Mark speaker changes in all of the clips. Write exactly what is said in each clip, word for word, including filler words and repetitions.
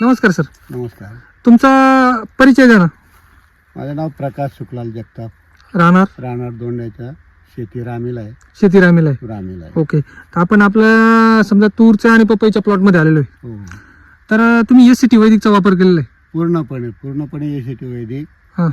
Speaker 1: नमस्कार सर.
Speaker 2: नमस्कार.
Speaker 1: तुमचा परिचय द्या ना.
Speaker 2: माझं नाव प्रकाश सुखलाल जगताप,
Speaker 1: राहणार
Speaker 2: राहणार दोंड्याच्या, शेती रामीला आहे.
Speaker 1: शेती रामीला आहे.
Speaker 2: रामीला आहे.
Speaker 1: ओके. तर आपण आपल्या समजा तूरच्या आणि पपईच्या प्लॉटमध्ये आलेलो आहे.
Speaker 2: हो,
Speaker 1: तर तुम्ही एस सी टी वैदिकचा वापर केलेला आहे.
Speaker 2: पूर्णपणे पूर्णपणे एसीटी वैदिक.
Speaker 1: हां.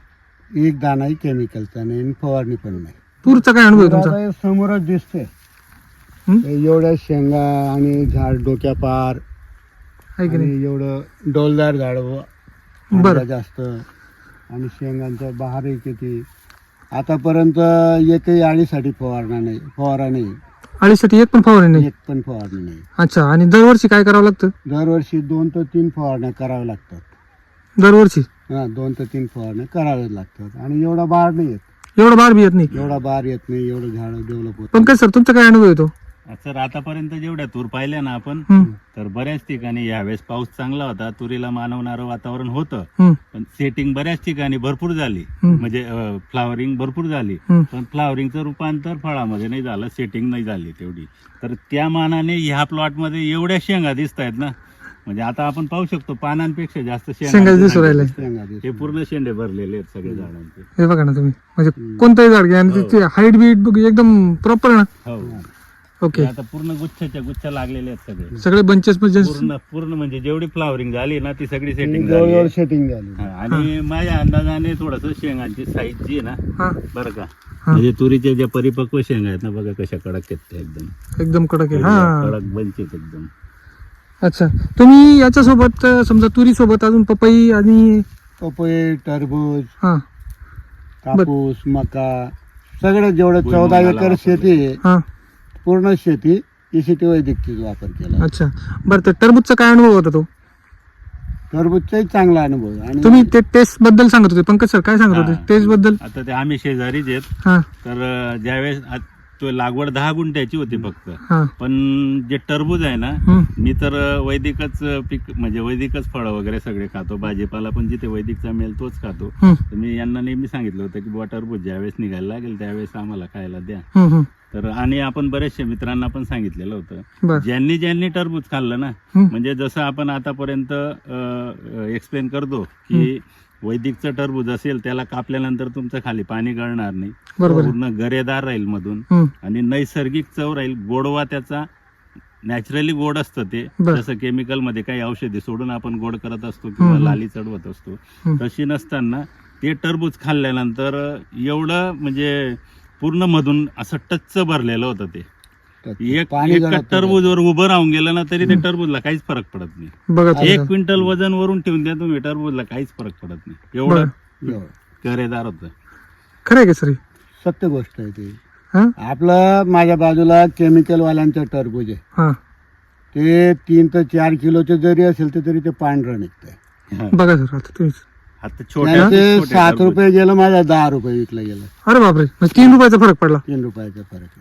Speaker 2: एक दाणाही केमिकलचा नाही आणि फवारणी पण नाही.
Speaker 1: तूरचा काय अनुभव आहे तुमचा?
Speaker 2: आता हे समोरच दिसते
Speaker 1: हं?
Speaker 2: एवढ्या शेंगा आणि झाड डोक्या पार
Speaker 1: आहे की नाही?
Speaker 2: आणि एवढं डोलदार झाड
Speaker 1: बरं.
Speaker 2: जास्त आणि शेंगांचा बहारही किती. आतापर्यंत एकही आळीसाठी फवारणा नाही फवारा नाही
Speaker 1: अळीसाठी एक पण फवारणी नाही.
Speaker 2: एक पण फवारणी नाही.
Speaker 1: अच्छा. आणि दरवर्षी काय करावं लागतं?
Speaker 2: दरवर्षी दोन ते तीन फवारण्या कराव्या लागतात.
Speaker 1: दरवर्षी
Speaker 2: हा, दोन ते तीन फवारण्या कराव्या लागतात. आणि एवढा बार नाही येत,
Speaker 1: एवढं बार बी येत नाही.
Speaker 2: एवढा बार येत नाही, एवढं झाड डेव्हलप होत.
Speaker 1: पंकज सर, तुमचा काय अनुभव येतो?
Speaker 3: सर आतापर्यंत जेवढ्या तूर पाहिल्या ना आपण,
Speaker 1: हं,
Speaker 3: तर बऱ्याच ठिकाणी यावेळेस पाऊस चांगला होता, तुरीला मानवणारं वातावरण होतं,
Speaker 1: हं,
Speaker 3: पण सेटिंग बऱ्याच ठिकाणी भरपूर झाली,
Speaker 1: हं.
Speaker 3: म्हणजे फ्लावरिंग भरपूर झाली,
Speaker 1: हं.
Speaker 3: पण फ्लावरिंगचं रूपांतर फळामध्ये नाही झालं, सेटिंग नाही झाली तेवढी. तर त्या मानाने ह्या प्लॉटमध्ये एवढ्या शेंगा दिसत आहेत ना, म्हणजे आता आपण पाहू शकतो पानांपेक्षा जास्त
Speaker 1: शेंगा दिसू राहिल्या.
Speaker 2: शेंगा दिसतात.
Speaker 3: हे पूर्ण शेंडे भरलेले आहेत सगळे झाडांचे.
Speaker 1: हे बघा ना तुम्ही, म्हणजे कोणतंही झाड घ्या आणि त्याची हाईट बीट एकदम प्रॉपर ना.
Speaker 3: हो.
Speaker 1: ओके.
Speaker 3: हे आता पूर्ण गुच्छाच्या गुच्छ लागलेले आहेत सगळे,
Speaker 1: सगळे बंचेस म्हणजे
Speaker 3: पूर्ण पूर्ण म्हणजे जेवढी फ्लावरिंग झाली ना ती सगळी सेटिंग झाली
Speaker 2: जवळजवळ
Speaker 3: आहे.
Speaker 2: सेटिंग झाली.
Speaker 3: हा, आणि माझ्या अंदाजाने थोडस शेंगांची साईज जी आहे ना,
Speaker 1: हा
Speaker 3: बरं का,
Speaker 1: हा.
Speaker 3: म्हणजे तुरीच्या ज्या परिपक्व शेंगा आहेत ना, बघा कशा कडक आहेत त्या, एकदम
Speaker 1: एकदम कडक आहे. हा.
Speaker 3: कडक बंच आहेत एकदम.
Speaker 1: अच्छा. तुम्ही याच्यासोबत अं, समजा तुरी सोबत अजून पपई आणि
Speaker 2: पपई, टरबूज,
Speaker 1: हा
Speaker 2: कापूस, मका सगळं जेवढं चौदा
Speaker 3: भुईमुगाला
Speaker 2: एकर
Speaker 3: वापरलं.
Speaker 2: शेती आहे,
Speaker 1: हा.
Speaker 2: पूर्ण शेती एसीटी वैदिकचा वापर केला.
Speaker 1: अच्छा. बरं, तर टरबूजचा काय अनुभव होता तो?
Speaker 2: टरबूजचाही चांगला अनुभव आहे. आणि
Speaker 1: तुम्ही ते टेस्ट बद्दल सांगत होते. पंकज सर काय सांगत होते
Speaker 3: हा.
Speaker 1: टेस्ट बद्दल?
Speaker 3: आता ते आम्ही शेजारीच आहेत,
Speaker 1: हा
Speaker 3: तर अं, ज्यावेळेस आ- तो लागवड दहा गुंठ्याची होती फक्त,
Speaker 1: हा.
Speaker 3: पण जे टरबूज आहे ना,
Speaker 1: हं.
Speaker 3: मी तर अं, वैदिकच अं, पीक म्हणजे वैदिकच फळं वगैरे सगळे खातो, भाजीपाला पण जिथे वैदिकचा मिळेल तोच खातो.
Speaker 1: हं,
Speaker 3: तर मी यांना नेहमी सांगितलं होतं की बुवा टरबूज ज्यावेळेस निघायला लागेल त्यावेळेस आम्हाला खायला द्या.
Speaker 1: हं, हं.
Speaker 3: तर आणि आपण बरेचशे मित्रांना पण सांगितलेलं होतं,
Speaker 1: बरं.
Speaker 3: ज्यांनी ज्यांनी टरबूज खाल्लं ना,
Speaker 1: हं.
Speaker 3: म्हणजे जसं आपण आतापर्यंत एक्सप्लेन करतो की वैदिकचं टरबूज असेल त्याला कापल्यानंतर तुमचं खाली पाणी गळणार नाही,
Speaker 1: बरोबर आहे.
Speaker 3: पूर्ण गरेदार राहील मधून
Speaker 1: हं.
Speaker 3: आणि नैसर्गिक चव राहील, गोडवा त्याचा नॅचरली गोड असतं ते,
Speaker 1: बरं.
Speaker 3: जसं केमिकल मध्ये काही औषधी सोडून आपण गोड करत असतो किंवा
Speaker 1: हं, हं.
Speaker 3: लाली चढवत असतो,
Speaker 1: हं.
Speaker 3: तशी नसताना ते टरबूज खाल्ल्यानंतर एवढं म्हणजे पूर्ण मधून असं टच्च भरलेलं होतं ते. एक
Speaker 2: पाणी
Speaker 3: एक
Speaker 2: गळत
Speaker 3: टरबूजवर उभं राहून गेलं ना तरी ते टरबूजला काहीच फरक पडत नाही.
Speaker 1: बघा तुम्ही.
Speaker 3: एक क्विंटल वजन वरून ठेवून द्या तुम्ही, टरबूजला काहीच फरक पडत नाही, एवढं
Speaker 2: एवढं.
Speaker 3: गरेदार होतं.
Speaker 1: खरं आहे का सर?
Speaker 2: सत्य गोष्ट आहे ती.
Speaker 1: हा
Speaker 2: आपलं माझ्या बाजूला केमिकल वाल्यांचं टरबूज आहे,
Speaker 1: हा.
Speaker 2: ते तीन ते चार किलोचे जरी असेल तर तरी ते पांढरं निघतंय.
Speaker 1: बघा सर, आता तुम्ही.
Speaker 3: आता छोट्या
Speaker 2: त्याचे
Speaker 3: छोटे
Speaker 2: सात
Speaker 3: टरबूज.
Speaker 2: रुपये गेलं, माझा दहा रुपये विकलं गेलं.
Speaker 1: अरे बापरे, म्हणजे तीन रुपयाचा फरक पडला.
Speaker 2: तीन रुपयाचा फरक आहे.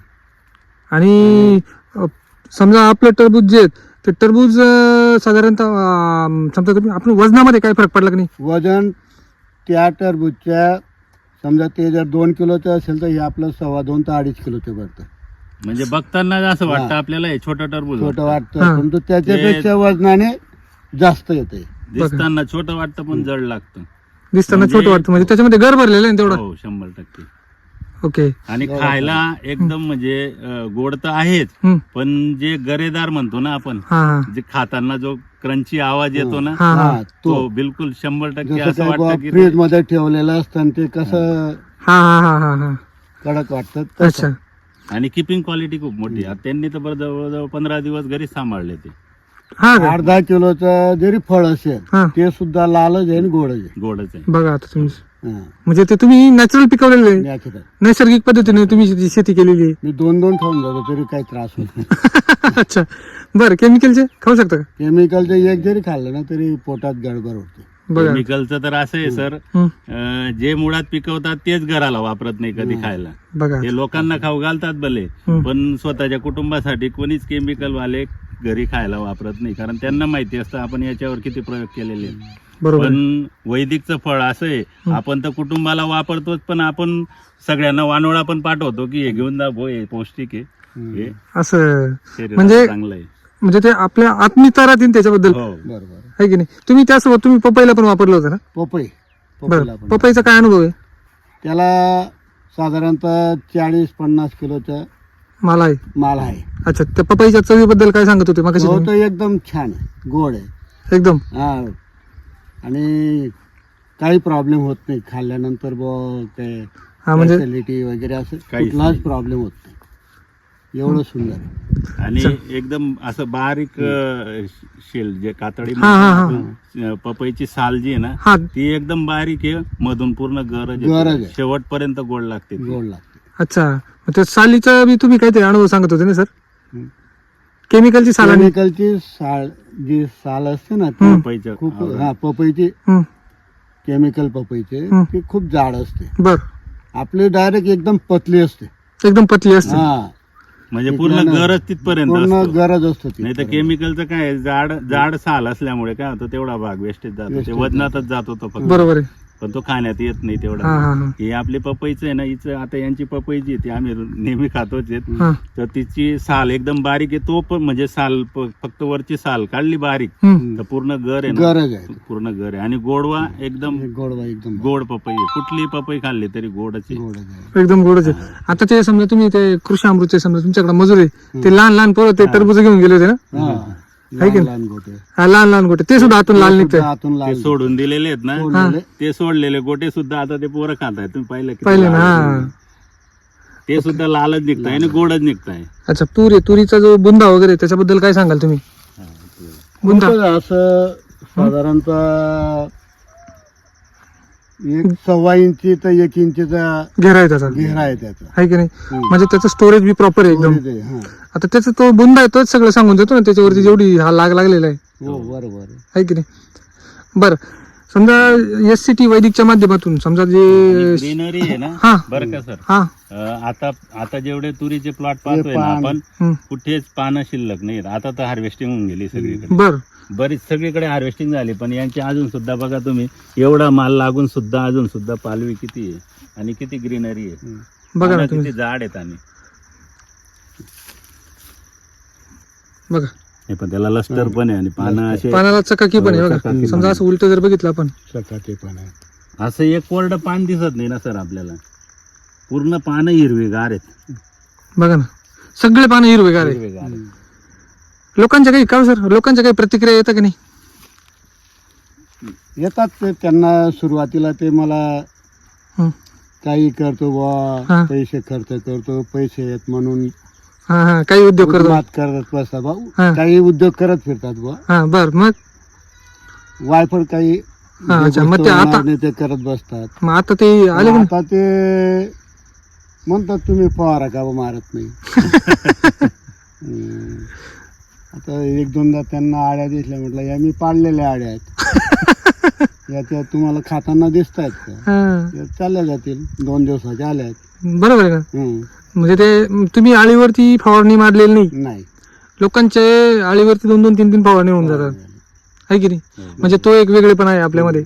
Speaker 1: आणि अ, समजा आपलं टरबूज जे आहेत, ते टरबूज अ, साधारणतः अ, समजा तुम्ही आपण वजनामध्ये काय फरक पडला की नाही?
Speaker 2: वजन त्या टरबूजच्या समजा ते जर दोन किलोचं असेल तर हे आपलं सव्वा दोन ते अडीच किलोचं भरतं.
Speaker 3: म्हणजे बघताना असं वाटतं
Speaker 2: हा.
Speaker 3: आपल्याला हे छोटं टरबूज
Speaker 2: छोटं
Speaker 3: वाटतं.
Speaker 1: हा.
Speaker 2: वाटतं, परंतु त्याच्यापेक्षा वजनाने जास्त येते.
Speaker 3: दिसताना छोटं वाटतं पण जड लागतं.
Speaker 1: दिसताना
Speaker 3: म्हणजे-
Speaker 1: छोटं वाटतं, म्हणजे त्याच्यामध्ये घर भरलेलं आहे ना तेवढा.
Speaker 3: हो, शंभर टक्के.
Speaker 1: ओके.
Speaker 3: आणि खायला एकदम म्हणजे अं, गोड तर आहेच,
Speaker 1: हं.
Speaker 3: पण जे गरेदार म्हणतो ना आपण,
Speaker 1: हा हा
Speaker 3: जे खाताना जो क्रंची आवाज येतो ना,
Speaker 1: हा हा
Speaker 2: हा,
Speaker 3: तो
Speaker 2: तो
Speaker 3: बिलकुल शंभर टक्के
Speaker 2: जसं
Speaker 3: असं
Speaker 2: काही
Speaker 3: वाटतं की
Speaker 2: फ्रीज मध्ये ठेवलेलं असतं आणि ते कसं
Speaker 1: हा हा हा हा हा.
Speaker 2: कडक वाटतं
Speaker 1: अच्छा.
Speaker 2: तसं.
Speaker 3: आणि किपिंग क्वालिटी खूप मोठी आहे. त्यांनी तर बरं जवळजवळ पंधरा दिवस घरी सांभाळले ते,
Speaker 1: हा का?
Speaker 2: अर्धा किलोचं जरी फळ असेल
Speaker 1: हा.
Speaker 2: ते सुद्धा लालच आहे आणि गोडच आहे.
Speaker 3: गोडच आहे.
Speaker 1: बघा आता तुम्ही,
Speaker 2: हा.
Speaker 1: म्हणजे ते तुम्ही नॅचरल पिकवलेलं आहे,
Speaker 2: Natural.
Speaker 1: नैसर्गिक पद्धतीने तुम्ही शेती- शेती केलेली आहे.
Speaker 2: मी दोन दोन खाऊन जातो तरी काही त्रास होत नाही.
Speaker 1: अच्छा. बरं, केमिकलचे खाऊ शकता का?
Speaker 2: केमिकलचं एक जरी खाल्लं ना तरी पोटात गडबड होते.
Speaker 1: बघा.
Speaker 3: केमिकलचं तर असं आहे सर,
Speaker 1: हं.
Speaker 3: अं, जे मुळात पिकवतात तेच घराला वापरत नाही कधी खायला.
Speaker 1: बघा.
Speaker 3: ते लोकांना खाऊ घालतात भले,
Speaker 1: हं.
Speaker 3: पण स्वतःच्या कुटुंबासाठी कोणीच केमिकल वाले घरी खायला वापरत नाही, कारण त्यांना माहिती असतं आपण याच्यावर किती प्रयोग केलेले आहेत.
Speaker 1: बरोबर आहे.
Speaker 3: पण वैदिकचं फळ असं आहे, आपण तर कुटुंबाला वापरतोच, पण आपण सगळ्यांना वानोळा पण पाठवतो की हे घेऊन जा भो, हे पौष्टिक आहे, हे
Speaker 1: असं
Speaker 3: शरीराला
Speaker 1: म्हणजे
Speaker 3: चांगलं आहे.
Speaker 1: म्हणजे ते आपल्या आत्मीयता राहतील त्याच्याबद्दल,
Speaker 3: हो
Speaker 2: बरोबर.
Speaker 1: आहे की नाही? तुम्ही त्यासोबत तुम्ही पपईला पण वापरलं होतं ना?
Speaker 2: पपई पपईला
Speaker 1: बरं,
Speaker 2: पण
Speaker 1: पपईचा काय अनुभव आहे?
Speaker 2: त्याला साधारणतः चाळीस पन्नास किलोचा
Speaker 1: मला आहे.
Speaker 2: माल आहे.
Speaker 1: अच्छा, त्या पपईच्या चवीबद्दल काय सांगत होते मग?
Speaker 2: तो तो एकदम छान आहे, गोड आहे.
Speaker 1: एकदम
Speaker 2: हा, आणि काही प्रॉब्लेम होत नाही खाल्ल्यानंतर ब ते
Speaker 1: हा म्हणजे
Speaker 2: ऍसिडिटी वगैरे असं
Speaker 3: काहीच
Speaker 2: कुठलाच
Speaker 3: नाही.
Speaker 2: प्रॉब्लेम होत नाही. एवढं सुंदर आहे.
Speaker 3: आणि एकदम असं बारीक अं, शेल जे कातडी
Speaker 1: हा, हा, हा.
Speaker 3: म्हणतो, अं, पपईची साल जी आहे ना
Speaker 1: हा,
Speaker 3: ती एकदम बारीक आहे, मधून पूर्ण गरज
Speaker 2: गरज आहे.
Speaker 3: शेवटपर्यंत गोड लागते ती.
Speaker 2: गोड लागते.
Speaker 1: अच्छा. मग त्या सालीचा बी तुम्ही काहीतरी अनुभव सांगत होते ना सर?
Speaker 2: हम्म.
Speaker 1: केमिकलची साल आणि
Speaker 2: केमिकलची साल जी साल असते ना ती
Speaker 3: पपईच्या
Speaker 2: खूप
Speaker 3: आवरण.
Speaker 2: हा पपईची
Speaker 1: हम्म,
Speaker 2: केमिकल पपईचे
Speaker 1: हम्म.
Speaker 2: ती खूप जाड असते.
Speaker 1: बर,
Speaker 2: आपली डायरेक्ट एकदम पतली असते.
Speaker 1: एकदम पतली असते.
Speaker 2: हा,
Speaker 3: म्हणजे
Speaker 2: ती
Speaker 3: पूर्ण
Speaker 2: त्यानं
Speaker 3: गरज तिथपर्यंत
Speaker 2: पूर्ण
Speaker 3: असतो.
Speaker 2: गरज असतो ती.
Speaker 3: नाही तर केमिकलचं काय आहे, जाड जाड साल असल्यामुळे काय होतं, तेवढा भाग वेस्टेज जातो, ते
Speaker 2: Wastage
Speaker 3: वजनातच जातो तो फक्त,
Speaker 1: बरोबर आहे.
Speaker 3: पण तो खाण्यात येत नाही
Speaker 1: हा
Speaker 3: तेवढा.
Speaker 1: हा हा
Speaker 3: ही आपली पपईचं आहे ना, हिचं आता यांची पपई जी आहे ती आम्ही नेहमी खातोच आहेत.
Speaker 1: हा.
Speaker 3: तर तिची साल एकदम बारीक आहे, तो पण म्हणजे साल प- फक्त वरची साल काढली बारीक
Speaker 1: हम्म.
Speaker 3: तर पूर्ण गर आहे ना,
Speaker 2: गरज आहे.
Speaker 3: पूर्ण गर आहे. आणि गोडवा एकदम
Speaker 2: गोडवा एकदम
Speaker 3: गोड पपई आहे. कुठली पपई खाल्ली तरी गोडच आहे.
Speaker 2: गोड आहे.
Speaker 1: एकदम गोडच आहे. आता ते समजा तुम्ही ते कृषी अमृतचे समजा तुमच्याकडे मजूर आहे, ते लहान लहान पोरं ते टरबूज घेऊन गेले होते ना?
Speaker 2: हा,
Speaker 1: आहे की
Speaker 2: लहान
Speaker 1: नाही?
Speaker 2: लहान गोटे
Speaker 1: हा, लहान लहान गोटे ते सुद्धा आतून लाल
Speaker 2: ते
Speaker 1: निघतंय.
Speaker 2: सुद्धा आतून
Speaker 3: ते
Speaker 2: लाल
Speaker 3: सोडून दिलेले आहेत ना,
Speaker 2: सोडलेले.
Speaker 3: ते सोडलेले गोटे सुद्धा आता ते पोरं खात आहेत. तुम्ही पाहिलं किती
Speaker 1: पाहिलं ना?
Speaker 3: लाल
Speaker 1: हा.
Speaker 3: आहे. ते सुद्धा लालच निघताय आणि गोडच निघताय.
Speaker 1: अच्छा, तूर आहे, तुरीचा जो बुंदा वगैरे त्याच्याबद्दल काय सांगाल तुम्ही? बुंदा
Speaker 2: कुठं असं साधारणतः एक सव्वा इंची तर एक इंचीचा
Speaker 1: घेरा आहे त्याचा,
Speaker 2: घेरा आहे त्याचा.
Speaker 1: आहे की नाही?
Speaker 2: हम्म.
Speaker 1: म्हणजे त्याचं स्टोरेज बी प्रॉपर आहे एकदम.
Speaker 2: ते, हा.
Speaker 1: आता त्याचा तो बुंदा आहे तोच सगळं सांगून देतो ना त्याच्यावरती जेवढी हा लाग लागलेला आहे,
Speaker 2: हो बरोबर आहे.
Speaker 1: आहे की नाही? बरं, समजा एस सी टी वैदिकच्या माध्यमातून समजा जे
Speaker 3: ग्रीनरी आहे ना,
Speaker 1: हा.
Speaker 3: बरं का सर,
Speaker 1: हा
Speaker 3: अं, आता आता जेवढे तुरीचे प्लॉट पाहतोय ना
Speaker 2: पान.
Speaker 3: आपण,
Speaker 1: हम्म.
Speaker 3: कुठेच पानं शिल्लक नाहीत. आता तर हार्वेस्टिंग होऊन गेली सगळीकडे,
Speaker 1: बर,
Speaker 3: बरीच सगळीकडे हार्वेस्टिंग झाली. पण यांची अजून सुद्धा बघा तुम्ही, एवढा माल लागून सुद्धा अजून सुद्धा पालवी किती आहे आणि किती ग्रीनरी आहे.
Speaker 2: हम्म.
Speaker 1: बघा ना
Speaker 3: पानं
Speaker 1: तुम्ही,
Speaker 3: किती झाड आहेत. आणि
Speaker 1: बघा
Speaker 3: हे पण त्याला लस्टर पण आहे आणि पानं असे
Speaker 1: पानाला चकाकी पण आहे
Speaker 3: हो,
Speaker 1: बघा.
Speaker 3: चकाकी
Speaker 1: समजा
Speaker 3: पण
Speaker 1: असं उलट जर बघितलं आपण,
Speaker 2: चकाकी पण आहे.
Speaker 3: असं एक कोरडं पान दिसत नाही ना सर आपल्याला. पूर्ण पानं हिरवीगार आहेत.
Speaker 1: बघा ना सगळे पानं हिरवेगार आहे.
Speaker 3: हिरवेगार आहेत.
Speaker 1: लोकांच्या काही का सर लोकांच्या काही प्रतिक्रिया येतात की नाही?
Speaker 2: येतात ते, त्यांना सुरुवातीला ते मला
Speaker 1: हं.
Speaker 2: काही करतो
Speaker 1: हा.
Speaker 2: बुवा, पैसे खर्च करतो, पैसे येत म्हणून
Speaker 1: हा हा, काही उद्योग करतो.
Speaker 2: मात करत बसतात भाऊ.
Speaker 1: हा.
Speaker 2: काही उद्योग करत फिरतात बुवा.
Speaker 1: हा, बर, मग
Speaker 2: वायफळ काही
Speaker 1: हा,
Speaker 2: जे
Speaker 1: अच्छा, मग
Speaker 2: गोष्ट
Speaker 1: ते आता-
Speaker 2: होणार नाही ते करत बसतात.
Speaker 1: मग आता ते आले की नाही?
Speaker 2: आता ते म्हणतात तुम्ही फवारा का बुवा मारत नाही. हम्म. आता एक दोनदा त्यांना आड्या दिसल्या, म्हटलं या मी पाडलेल्या आड्या आहेत. या त्या तुम्हाला खाताना दिसत आहेत का?
Speaker 1: हा,
Speaker 2: या चालल्या जातील, दोन दिवसाच्या आल्या आहेत.
Speaker 1: बरोबर आहे का?
Speaker 2: हम्म.
Speaker 1: म्हणजे ते तुम्ही आळीवरती फवारणी मारलेली नाही,
Speaker 2: नाही
Speaker 1: लोकांचे आळीवरती दोन दोन तीन तीन फवारणी होऊन जातात, आहे की नाही? म्हणजे तो एक वेगळेपणा आहे आपल्यामध्ये.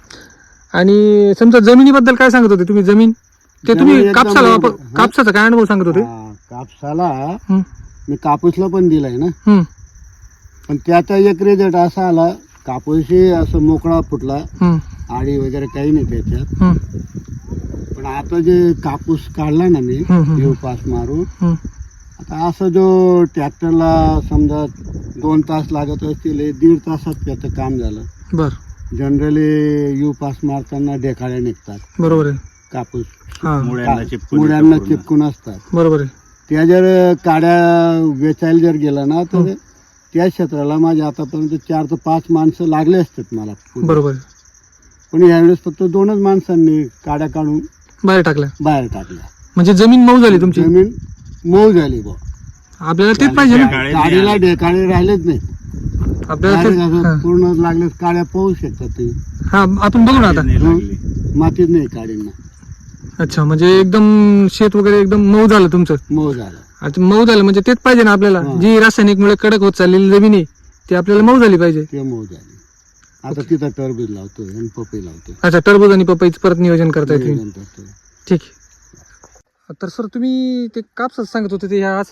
Speaker 1: आणि समजा जमिनीबद्दल काय सांगत होते तुम्ही? जमीन ते तुम्ही
Speaker 2: जमीन एकदम
Speaker 1: कापसाला वापर
Speaker 2: हा?
Speaker 1: कापसाचा काय अनुभव सांगत होते?
Speaker 2: हा, कापसाला
Speaker 1: हं,
Speaker 2: मी कापूसला पण दिलाय ना,
Speaker 1: हं,
Speaker 2: पण त्याचा एक रिझल्ट असा आला, कापूसही असं मोकळा फुटला,
Speaker 1: हं,
Speaker 2: आडी वगैरे काही नाही त्याच्यात.
Speaker 1: हं,
Speaker 2: पण आता जे कापूस काढला ना मी
Speaker 1: हं, हं.
Speaker 2: येऊ पास मारून,
Speaker 1: हं.
Speaker 2: आता असं जो ट्रॅक्टरला समजा दोन तास लागत असतील, हे दीड तासात त्याचं काम झालं.
Speaker 1: बर,
Speaker 2: जनरली यू पास मारताना ढेकाळ्या निघतात
Speaker 1: बरोबर आहे.
Speaker 2: कापूस,
Speaker 1: हा,
Speaker 3: मुळ्यांना चिपकून
Speaker 2: मुळ्यांना
Speaker 3: येतं पूर्ण.
Speaker 2: चिपकून असतात.
Speaker 1: बरोबर आहे.
Speaker 2: त्या जर काड्या वेचायला जर गेला ना, तर त्या क्षेत्राला माझे आतापर्यंत चार ते पाच माणसं लागले असतात मला पुढे.
Speaker 1: बरोबर आहे.
Speaker 2: पण यावेळेस फक्त दोनच माणसांनी काड्या काढून
Speaker 1: बाहेर टाकल्या
Speaker 2: बाहेर टाकल्या.
Speaker 1: म्हणजे जमीन मऊ झाली तुमची.
Speaker 2: जमीन मऊ झाली बुवा.
Speaker 1: आपल्याला तेच पाहिजे ना.
Speaker 3: काळे
Speaker 2: काडीला ढेकाळे राहिलेच नाही.
Speaker 1: आपल्याला
Speaker 2: Direct
Speaker 1: तेच
Speaker 2: असं
Speaker 1: हा.
Speaker 2: पूर्ण लागले काड्या पाहू शकतात तुम्ही.
Speaker 1: हा, आपण बघू ना आता.
Speaker 3: नाही लागली.
Speaker 2: मातीत नाही काडींना,
Speaker 1: अच्छा, म्हणजे एकदम शेत वगैरे एकदम मऊ झालं तुमचं.
Speaker 2: मऊ झालं.
Speaker 1: आता मऊ झालं म्हणजे तेच पाहिजे ना आपल्याला.
Speaker 2: हा.
Speaker 1: जी रासायनिक मुळे कडक होत चाललेली जमीन आहे ती आपल्याला मऊ झाली पाहिजे.
Speaker 2: ते मऊ झाली. आता तिथं टरबूज लावतोय आणि पपई लावतोय.
Speaker 1: अच्छा, टरबूज आणि पपईचं परत नियोजन करताय तुम्ही.
Speaker 2: नियोजन करतोय.
Speaker 1: ठीक आहे. तर सर तुम्ही ते कापसाचं सांगत होते ते ह्या असंच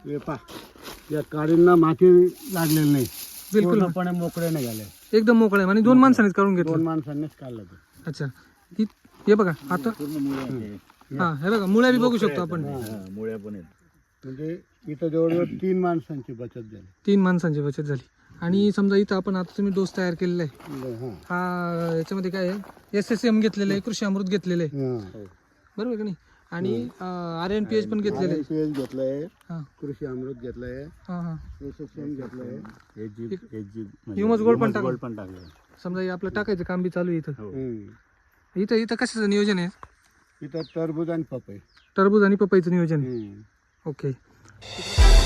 Speaker 2: हे पा या काडींना माती लागलेली नाही,
Speaker 1: बिलकुल
Speaker 2: पूर्णपणे मोकळे नाही झाले.
Speaker 1: एकदम मोकळं आहे आणि दोन माणसांनीच काढून घेतलं.
Speaker 2: दोन माणसांनीच काढलं ते.
Speaker 1: अच्छा ही- हे बघा आता
Speaker 3: पूर्ण मुळ्या आहेत.
Speaker 1: हा हे बघा मुळ्या बी बघू शकतो आपण.
Speaker 3: हा, मुळ्या पण आहेत.
Speaker 2: म्हणजे इथं जवळजवळ तीन माणसांची बचत झाली.
Speaker 1: तीन माणसांची बचत झाली. आणि समजा इथं आपण आता तुम्ही डोस तयार केलेला आहे,
Speaker 2: हा.
Speaker 1: हा याच्यामध्ये काय आहे एस एस एम घेतलेलं आहे, कृषी अमृत घेतलेलं आहे,
Speaker 2: हा.
Speaker 1: बरोबर का नाही, आणि आर एन पी एच पण घेतलेलं आहे.
Speaker 2: आर एन पी एच घेतलंय,
Speaker 1: हा
Speaker 2: कृषी अमृत घेतलंय,
Speaker 1: हा हा
Speaker 2: एस एस एम घेतलंय.
Speaker 3: हे जीप हे जीप म्हणजे
Speaker 1: ह्युमस गोल्ड पण
Speaker 3: ह्युमस
Speaker 1: टाकलं.
Speaker 3: गोल्ड पण टाकलं.
Speaker 1: समजा हे आपलं टाकायचं काम बी चालू आहे इथं.
Speaker 3: हो.
Speaker 2: हम्म.
Speaker 1: इथं इथं कशाचं नियोजन आहे?
Speaker 2: इथं टरबूज आणि पपई.
Speaker 1: टरबूज आणि पपईचं नियोजन आहे.
Speaker 2: हम्म.
Speaker 1: ओके.